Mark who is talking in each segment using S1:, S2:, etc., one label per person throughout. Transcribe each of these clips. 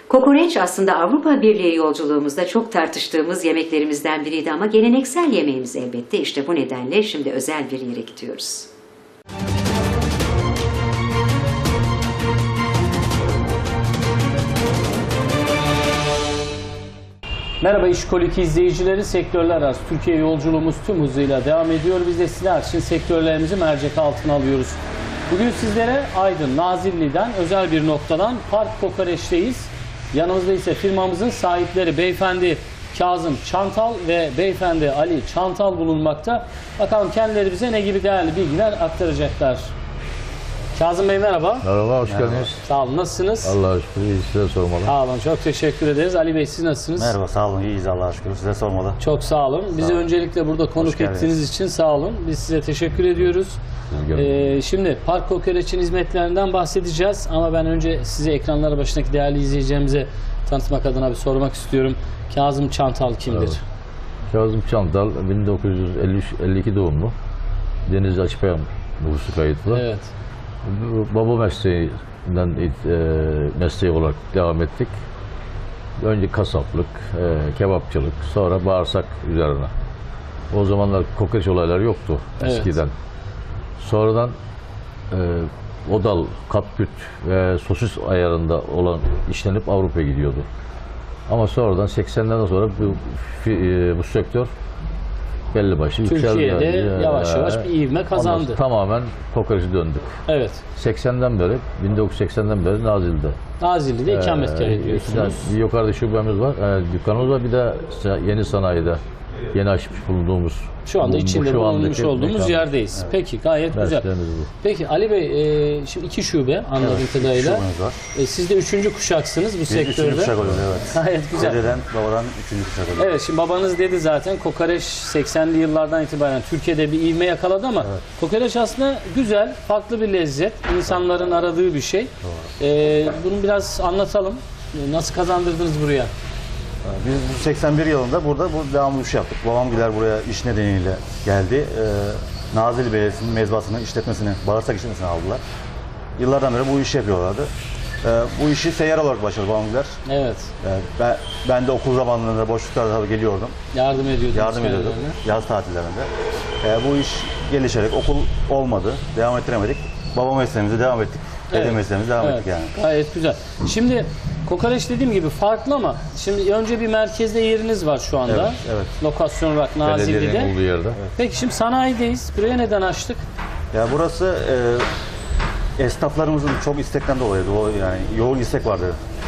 S1: Kokoreç aslında Avrupa Birliği yolculuğumuzda çok tartıştığımız yemeklerimizden biriydi ama geleneksel yemeğimiz elbette. İşte bu nedenle şimdi özel bir yere gidiyoruz.
S2: Merhaba İşkolik izleyicileri, sektörler arası Türkiye yolculuğumuz tüm hızıyla devam ediyor. Biz de sizler için sektörlerimizi mercek altına alıyoruz. Bugün sizlere Aydın, Nazilli'den özel bir noktadan Park Kokoreç'teyiz. Yanımızda ise firmamızın sahipleri beyefendi Kazım Çantal ve beyefendi Ali Çantal bulunmakta. Bakalım kendileri bize ne gibi değerli bilgiler aktaracaklar. Kazım Bey merhaba.
S3: Merhaba, hoş geldiniz.
S2: Sağ olun, nasılsınız?
S3: Allah'a şükür, iyi, size sormalı.
S2: Sağ olun, çok teşekkür ederiz. Ali Bey siz nasılsınız?
S4: Merhaba, sağ olun, iyiyiz Allah'a şükür. Size sormalı.
S2: Çok sağ olun. Bizi öncelikle burada konuk ettiğiniz için sağ olun. Biz size teşekkür ediyoruz. Şimdi Park Kokoreç'in hizmetlerinden bahsedeceğiz ama ben önce size ekranlara başındaki değerli izleyicilerimize tanıtmak adına bir sormak istiyorum. Kazım Çantal kimdir?
S3: Evet. Kazım Çantal 1952 doğumlu. Denizli Açıkpayam nüfusu kayıtlı.
S2: Evet.
S3: Baba mesleğinden mesleği olarak devam ettik. Önce kasaplık, kebapçılık, sonra bağırsak üzerine. O zamanlar kokoreç olayları yoktu eskiden. Evet. Sonradan odal, kapküt ve sosis ayarında olan işlenip Avrupa'ya gidiyordu. Ama sonradan 80'lerden sonra bu sektör belli başlı
S2: Türkiye'de yavaş yavaş bir ivme kazandı.
S3: Tamamen kokoreçe döndük.
S2: Evet.
S3: 1980'den beri Nazilli'de.
S2: Nazilli'de ikametgah ediyorsunuz.
S3: Bir yukarıda şubemiz var, dükkanımız var, bir de yeni sanayide yeni açmış bulunduğumuz.
S2: Şu anda içinde bulunmuş olduğumuz
S3: mekan,
S2: yerdeyiz. Peki, gayet güzel. Peki Ali Bey, şimdi 2 şube anladığım kadarıyla. Siz de 3. kuşaksınız bu sektörde.
S4: 3. kuşak oluyor, evet.
S2: Gayet güzel.
S4: Dededen, babadan 3. kuşak oluyor.
S2: Evet, şimdi babanız dedi zaten kokoreç 80'li yıllardan itibaren Türkiye'de bir ivme yakaladı ama kokoreç aslında güzel, farklı bir lezzet. İnsanların aradığı bir şey. Bunu biraz anlatalım. Nasıl kazandırdınız buraya?
S4: Biz 81 yılında burada devamlı iş yaptık. Babamgiler buraya iş nedeniyle geldi. Nazilli Belediyesi'nin mezbasını, işletmesini, bağırsak işletmesini aldılar. Yıllardan beri bu işi yapıyorlardı. Bu işi seyyar olarak başladı babamgiler.
S2: Evet.
S4: Ben de okul zamanlarında boşluklarda tabii geliyordum.
S2: Yardım ediyordum.
S4: Yaz tatillerinde. Bu iş gelişerek okul olmadı, devam ettiremedik. Baba mesleğimize devam ettik. Dede mesleğimize devam ettik yani.
S2: Gayet güzel. Şimdi kokoreç dediğim gibi farklı ama şimdi önce bir merkezde yeriniz var şu anda.
S4: Evet.
S2: Lokasyon olarak Nazilli'de.
S3: Belediyenin olduğu yerde.
S2: Evet. Peki şimdi sanayideyiz. Buraya neden açtık?
S4: Ya burası esnaflarımızın çok istekten dolayı, yani yoğun istek vardı.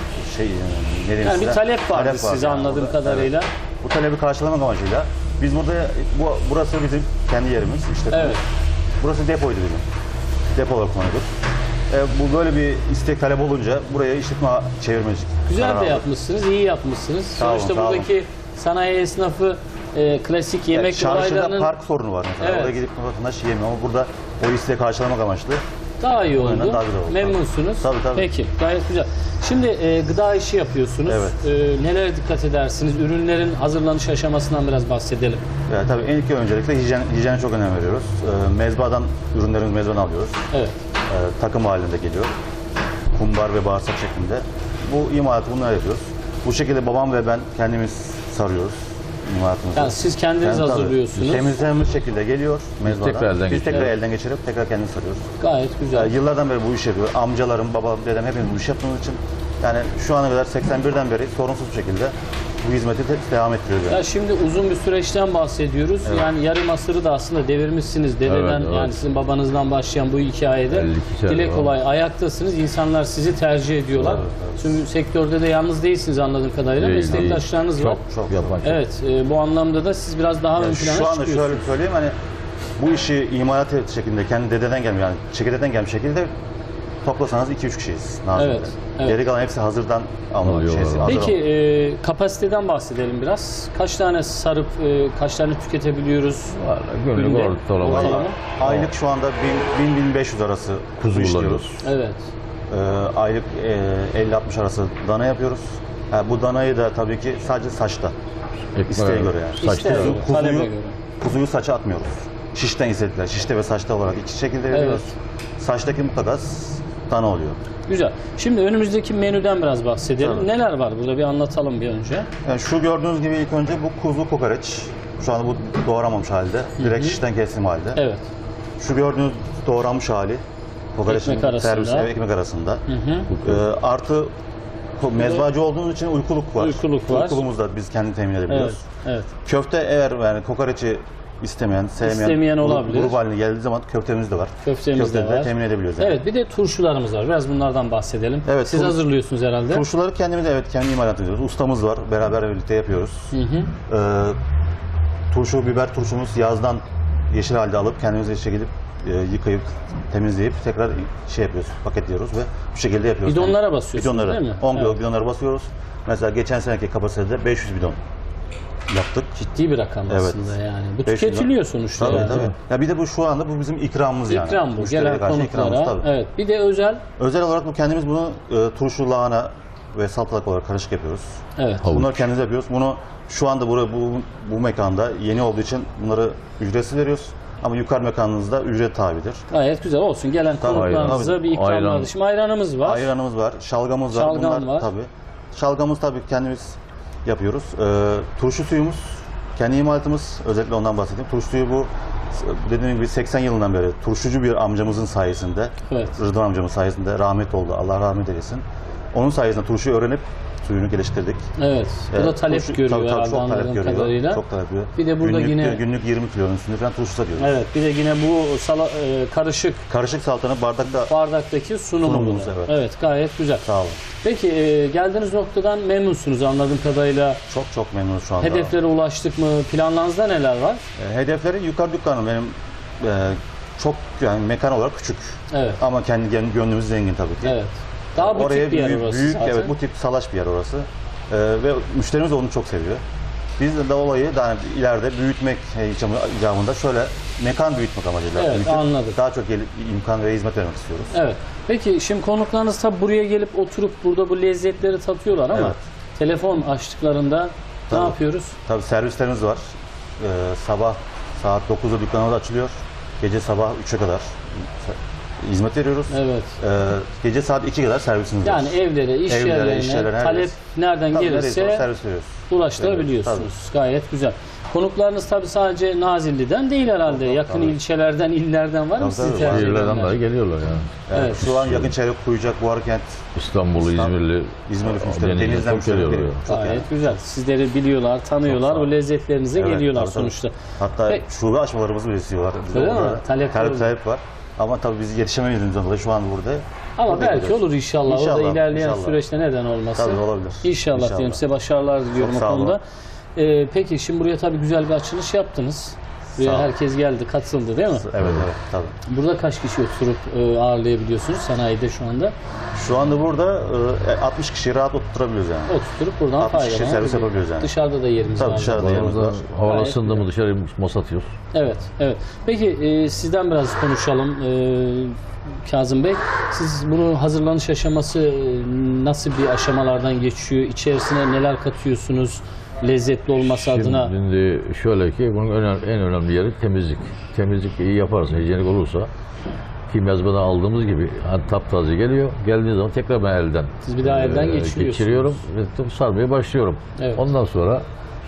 S2: Yani bir talep vardı size anladığım kadarıyla.
S4: Evet. Bu talebi karşılamak amacıyla biz burada, burası bizim kendi yerimiz.
S2: Evet.
S4: Burası depoydu bizim. Depo olarak kullanıyorduk. Bu böyle bir istek talep olunca buraya işletme çevirmecik.
S2: Güzel de yapmışsınız, iyi yapmışsınız. Sonuçta buradaki sanayi esnafı klasik yemek
S4: Çarşıda
S2: olaylarının...
S4: park sorunu var mesela. Oraya gidip vatandaş yemiyor ama burada o isteği karşılamak amaçlı.
S2: Daha iyi oldu.
S4: Daha güzel oldu.
S2: Memnunsunuz.
S4: Tabii.
S2: Peki, gayet güzel. Şimdi gıda işi yapıyorsunuz.
S4: Evet.
S2: Nelere dikkat edersiniz? Ürünlerin hazırlanış aşamasından biraz bahsedelim.
S4: Tabii ilk öncelikle hijyene çok önem veriyoruz. Ürünlerimizi mezbadan alıyoruz.
S2: Evet.
S4: Takım halinde geliyor. Kumbar ve bağırsak şeklinde. Bu imalatı bunları yapıyoruz. Bu şekilde babam ve ben kendimiz sarıyoruz imalatımızı.
S2: Yani siz kendiniz hazırlıyorsunuz.
S4: Temizlenmiş şekilde geliyor mezbadan. Biz tekrar
S2: Evet.
S4: elden geçirip tekrar kendimiz sarıyoruz.
S2: Gayet güzel.
S4: Yıllardan beri bu işi yapıyor. Amcalarım, babam, dedem hepimiz bu işi yaptığımız için yani şu ana kadar 81'den beri sorunsuz bir şekilde bu hizmeti devam ettiriyoruz.
S2: Ya şimdi uzun bir süreçten bahsediyoruz. Evet. Yani yarım asırı da aslında devirmişsiniz. Dededen yani sizin babanızdan başlayan bu hikayede. Dile kolay ayaktasınız. İnsanlar sizi tercih ediyorlar. Evet. Çünkü sektörde de yalnız değilsiniz anladığım kadarıyla. Meslektaşlarınız var.
S4: Çok yapan.
S2: Evet. Bu anlamda da siz biraz daha ön plana çıkıyorsunuz.
S4: Şu anda şöyle söyleyeyim, hani bu işi imalat şeklinde kendi dededen gelmiş, yani çekirdekten gelmiş şekilde toplasanız 2-3 kişiyiz. Evet. Geri kalan hepsi hazırdan alınıyor.
S2: Peki kapasiteden bahsedelim biraz. Kaç tane sarıp kaç tane tüketebiliyoruz?
S3: Günlük ortalama.
S4: Aylık şu anda 1000-1500 arası kuzu işliyoruz.
S2: Evet.
S4: Aylık 50-60 arası dana yapıyoruz. Bu danayı da tabii ki sadece saçta. İsteğe göre yani. Kuzuyu saça atmıyoruz. Şişten istediler. Şişte ve saçta olarak iki şekilde veriyoruz. Evet. Saçtaki mutlaka dana oluyor.
S2: Güzel. Şimdi önümüzdeki menüden biraz bahsedelim.
S4: Tabii.
S2: Neler var burada bir anlatalım bir önce.
S4: Yani şu gördüğünüz gibi ilk önce bu kuzu kokoreç. Şu anda bu doğramamış halde. Direkt şişten kesim halde.
S2: Evet.
S4: Şu gördüğünüz doğranmış hali. Kokoreçin
S2: Ekmek arasında.
S4: servis ekmek arasında. Artı mezbacı olduğumuz için uykuluk var.
S2: Uykuluk var.
S4: Uykuluğumuzu da biz kendi temin
S2: Evet.
S4: edebiliyoruz.
S2: Evet.
S4: Köfte eğer yani kokoreçi sevmeyen
S2: İstemeyen olabilir.
S4: grup haline geldiği zaman köftemiz de var.
S2: Köftemiz de
S4: Köfteyi
S2: var.
S4: temin edebiliyoruz. Yani.
S2: Evet, bir de turşularımız var. Biraz bunlardan bahsedelim.
S4: Evet,
S2: Siz
S4: turş-
S2: hazırlıyorsunuz herhalde.
S4: Turşuları kendimiz kendi imalat ediyoruz. Ustamız var. Beraber birlikte yapıyoruz. Turşu, biber turşumuz yazdan yeşil halde alıp kendimiz gidip yıkayıp temizleyip tekrar yapıyoruz, paketliyoruz ve bu şekilde yapıyoruz.
S2: Bidonlara basıyorsunuz
S4: Bidonlara,
S2: değil mi?
S4: 10 kilo
S2: Evet.
S4: bidonlara basıyoruz. Mesela geçen seneki kapasitede 500 bidon yaptık.
S2: Ciddi bir rakam
S4: Evet.
S2: aslında yani. Bu
S4: 500
S2: tüketiliyor sonuçta.
S4: Tabii
S2: yani.
S4: tabii. Ya bir de bu şu anda bu bizim ikramımız yani.
S2: İkram bu.
S4: Müşteriye
S2: Gelen
S4: karşı ikramımız,
S2: konuklara.
S4: tabii.
S2: Evet. Bir de özel.
S4: Özel olarak bu kendimiz bunu turşu, lahana ve salatalık olarak karışık yapıyoruz.
S2: Evet.
S3: Havuç.
S4: Bunları kendimiz yapıyoruz. Bunu şu anda bu mekanda yeni olduğu için bunları ücretsiz veriyoruz. Ama yukarı mekanınızda ücret tabidir.
S2: Gayet güzel olsun. Gelen
S4: Tabii,
S2: konuklarımıza
S4: tabii.
S2: bir ikram
S3: Ayran.
S2: var. Şimdi ayranımız var.
S4: Ayranımız var, şalgamımız var.
S2: Şalgam var.
S4: Tabii. Şalgamımız tabii kendimiz yapıyoruz. Turşu suyumuz kendi imalatımız. Özellikle ondan bahsedeyim. Turşu suyu bu dediğim gibi 80 yılından beri turşucu bir amcamızın sayesinde,
S2: Evet.
S4: Rıdvan amcamın sayesinde rahmet oldu. Allah rahmet eylesin. Onun sayesinde turşuyu öğrenip suyunu geliştirdik.
S2: Evet. Bu da talep
S4: Turşu-
S2: görüyor
S4: tabii,
S2: herhalde
S4: çok talep
S2: anladığım
S4: görüyor.
S2: kadarıyla.
S4: Çok talep görüyor.
S2: Bir de burada yine-
S4: günlük 20 kilonun üstünde falan turşu satıyoruz.
S2: Evet. Bir de yine bu karışık
S4: Karışık salatanın bardakta
S2: bardaktaki sunumumuz.
S4: Sunumumuz, evet.
S2: Evet, gayet güzel.
S4: sağ olun.
S2: Peki geldiğiniz noktadan memnunsunuz anladığım kadarıyla.
S4: Çok memnunuz şu anda.
S2: Hedeflere ulaştık mı? Planlarınızda neler var?
S4: Hedefleri yukarı dükkanım benim çok yani mekan olarak küçük.
S2: Evet.
S4: Ama kendi gönlümüz zengin tabii ki.
S2: Evet. Daha butik
S4: Oraya
S2: bir yer
S4: büyük,
S2: orası
S4: büyük
S2: zaten.
S4: evet bu tip salaş bir yer orası. Ve müşterimiz de onu çok seviyor. Biz de olayı daha ileride büyütmek icabında şöyle mekan büyütmek amacıyla
S2: Evet,
S4: büyütüp
S2: anladım.
S4: daha çok imkan ve hizmet vermek istiyoruz.
S2: Evet. Peki şimdi konuklarınız tabi buraya gelip oturup burada bu lezzetleri tatıyorlar ama
S4: Evet.
S2: telefon açtıklarında ne
S4: Tabii.
S2: yapıyoruz?
S4: Tabii servislerimiz var. Sabah saat 9'da dükkanımız açılıyor. Gece sabah 3'e kadar hizmet veriyoruz.
S2: Evet.
S4: Gece saat 2'ye kadar servisimiz var.
S2: Yani evlere, iş
S4: Evlere,
S2: yerlerine
S4: iş yerlerine, her
S2: talep
S4: yer.
S2: nereden
S4: Tabii nereyse o
S2: gelirse
S4: servis veriyoruz.
S2: ulaştırabiliyorsunuz. Gayet güzel. Konuklarınız tabi sadece Nazilli'den değil herhalde. Yakın
S4: tabii.
S2: ilçelerden, illerden var mı
S4: Tabii,
S2: sizi
S4: tabii,
S2: tercih
S3: Şehirlerden
S2: edenler?
S3: dahi geliyorlar yani.
S4: Yani
S2: Evet.
S4: şu an yakın çevre Kuyucak, Buharkent,
S3: İstanbul'u, İzmirli,
S4: İzmirli müşteri,
S3: Denizli'den
S4: denizden
S3: çok
S4: müşteri
S3: geliyorlar.
S4: geliyor. Çok
S2: Gayet
S4: yani.
S2: güzel. Sizleri biliyorlar, tanıyorlar.
S4: Çok sağ
S2: O
S4: ol.
S2: lezzetlerinize
S4: Evet,
S2: geliyorlar
S4: tabii, tabii.
S2: sonuçta.
S4: Hatta
S2: Peki.
S4: şube açmalarımız birisi var. Bizim
S2: Öyle mi?
S4: orada
S2: Talep
S4: var. Ama tabii biz yetişemediğimizden dolayı şu an burada.
S2: Ama
S4: burada
S2: belki
S4: gidiyoruz.
S2: olur inşallah. O da
S4: İnşallah,
S2: ilerleyen
S4: inşallah.
S2: süreçte neden olmasın.
S4: Tabii olabilir.
S2: İnşallah diyelim. Size başarılar diliyorum
S4: Çok
S2: o
S4: sağ olun.
S2: konuda. Peki şimdi buraya tabii güzel bir açılış yaptınız. Buraya
S4: Sağ olun.
S2: herkes geldi, katıldı değil mi?
S4: Evet tabii.
S2: Burada kaç kişi oturup ağırlayabiliyorsunuz sanayide şu anda?
S4: Şu anda burada 60 kişiyi rahat oturtturabiliyoruz yani.
S2: Oturtup buradan
S4: 60 kişi
S2: faydalanabiliyor.
S4: servis yapabiliyoruz yani.
S2: Dışarıda da yerimiz
S4: Tabii
S2: var.
S4: dışarıda yerimiz var.
S3: Havalı
S2: Gayet
S3: ısındı mı dışarı masa atıyoruz.
S2: Evet, evet. Peki sizden biraz konuşalım. Kazım Bey, siz bunun hazırlanış aşaması nasıl bir aşamalardan geçiyor? İçerisine neler katıyorsunuz? Lezzetli olması adına.
S3: Şimdi şöyle ki bunun en önemli yeri temizlik. Temizlik iyi yaparsa, hijyenik olursa ki mezbadan aldığımız gibi hani taptaze geliyor. Geldiği zaman tekrar ben elden
S2: Siz bir daha elden geçiriyorsunuz.
S3: geçiriyorum ve sarmaya başlıyorum.
S2: Evet.
S3: Ondan sonra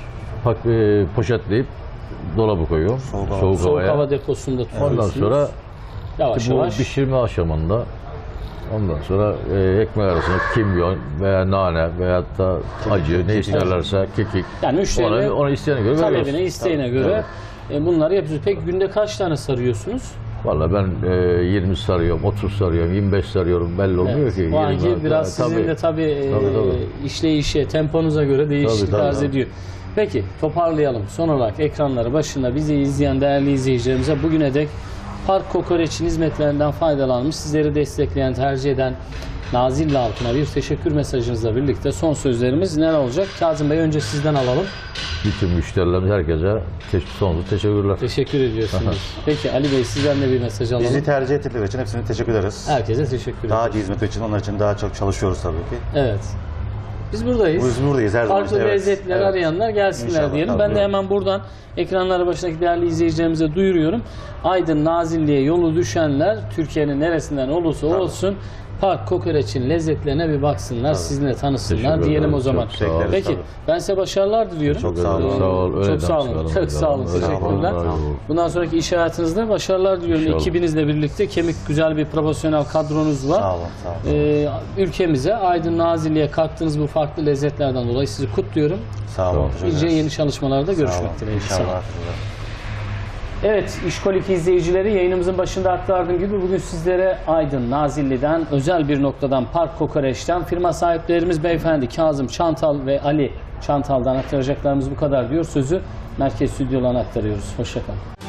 S3: poşetleyip dolaba koyuyorum. Soğuk
S2: Soğuk
S3: havaya.
S2: hava deposunda tutuyorsunuz.
S3: Ondan sonra
S2: yavaş
S3: bu
S2: yavaş.
S3: pişirme aşamında ondan sonra ekmek arasına kimyon veya nane veya da acı ne isterlerse kekik.
S2: Yani müşterinin
S3: Onu isteyene göre
S2: talebine,
S3: veriyoruz.
S2: isteğine göre bunları yapıyorsunuz. Peki günde kaç tane sarıyorsunuz?
S3: Vallahi ben 20 sarıyorum, 30 sarıyorum, 25 sarıyorum belli olmuyor
S2: Evet.
S3: ki.
S2: O anki
S3: 20
S2: biraz sizin de tabii işleyişe, temponuza göre değişiklik
S3: Tabii,
S2: arz
S3: tabii.
S2: ediyor. Peki toparlayalım. Son olarak ekranları başında bizi izleyen değerli izleyicilerimize bugüne dek Park Kokoreç'in hizmetlerinden faydalanmış, sizleri destekleyen, tercih eden Nazilli halkına bir teşekkür mesajınızla birlikte son sözlerimiz neler olacak? Kazım Bey önce sizden alalım.
S3: Bütün müşterilerimiz herkese sonsuz teşekkürler.
S2: Teşekkür ediyorsunuz. Peki Ali Bey sizden de bir mesaj alalım.
S4: Bizi tercih ettikleri için hepsine teşekkür ederiz.
S2: Herkese teşekkür
S4: Daha
S2: ediyoruz.
S4: iyi hizmet için onlar için daha çok çalışıyoruz tabii ki.
S2: Evet. Biz buradayız.
S4: Biz buradayız her zaman.
S2: Farklı
S4: işte, evet.
S2: lezzetler
S4: Evet.
S2: arayanlar gelsinler
S4: İnşallah,
S2: diyelim.
S4: tabii,
S2: Ben de
S4: buyurun.
S2: hemen buradan ekranları başındaki değerli izleyicilerimize duyuruyorum. Aydın Nazilli'ye yolu düşenler Türkiye'nin neresinden olursa olsun Park Kokoreç'in lezzetlerine bir baksınlar, sizinle tanısınlar
S3: Teşekkür
S2: diyelim
S3: ederim.
S2: o zaman.
S3: Çok sağ olun.
S2: Peki
S4: Tabii.
S2: ben size başarılar diliyorum.
S4: Çok sağ olun.
S3: Sağ ol, öyle
S2: Çok sağ olun.
S3: çıkaralım.
S2: Çok sağ olun.
S3: Öyle
S2: Teşekkürler.
S3: çıkaralım.
S2: Bundan sonraki iş hayatınızda başarılar diliyorum.
S3: İnşallah.
S2: Ekibinizle birlikte kemik güzel bir profesyonel kadronuz var.
S4: Sağ olun, sağ olun.
S2: Ülkemize, Aydın Nazilli'ye kattığınız bu farklı lezzetlerden dolayı sizi kutluyorum.
S4: Sağ olun. teşekkür
S2: Nice
S4: ederiz.
S2: yeni çalışmalarda
S4: Sağ olun.
S2: görüşmek dileğiyle. Sağ olun.
S4: İnşallah.
S2: Evet, İşkolik izleyicileri, yayınımızın başında aktardığım gibi bugün sizlere Aydın Nazilli'den, özel bir noktadan, Park Kokoreç'ten firma sahiplerimiz beyefendi Kazım Çantal ve Ali Çantal'dan aktaracaklarımız bu kadar diyor. Sözü merkez stüdyolarına aktarıyoruz. Hoşça kalın.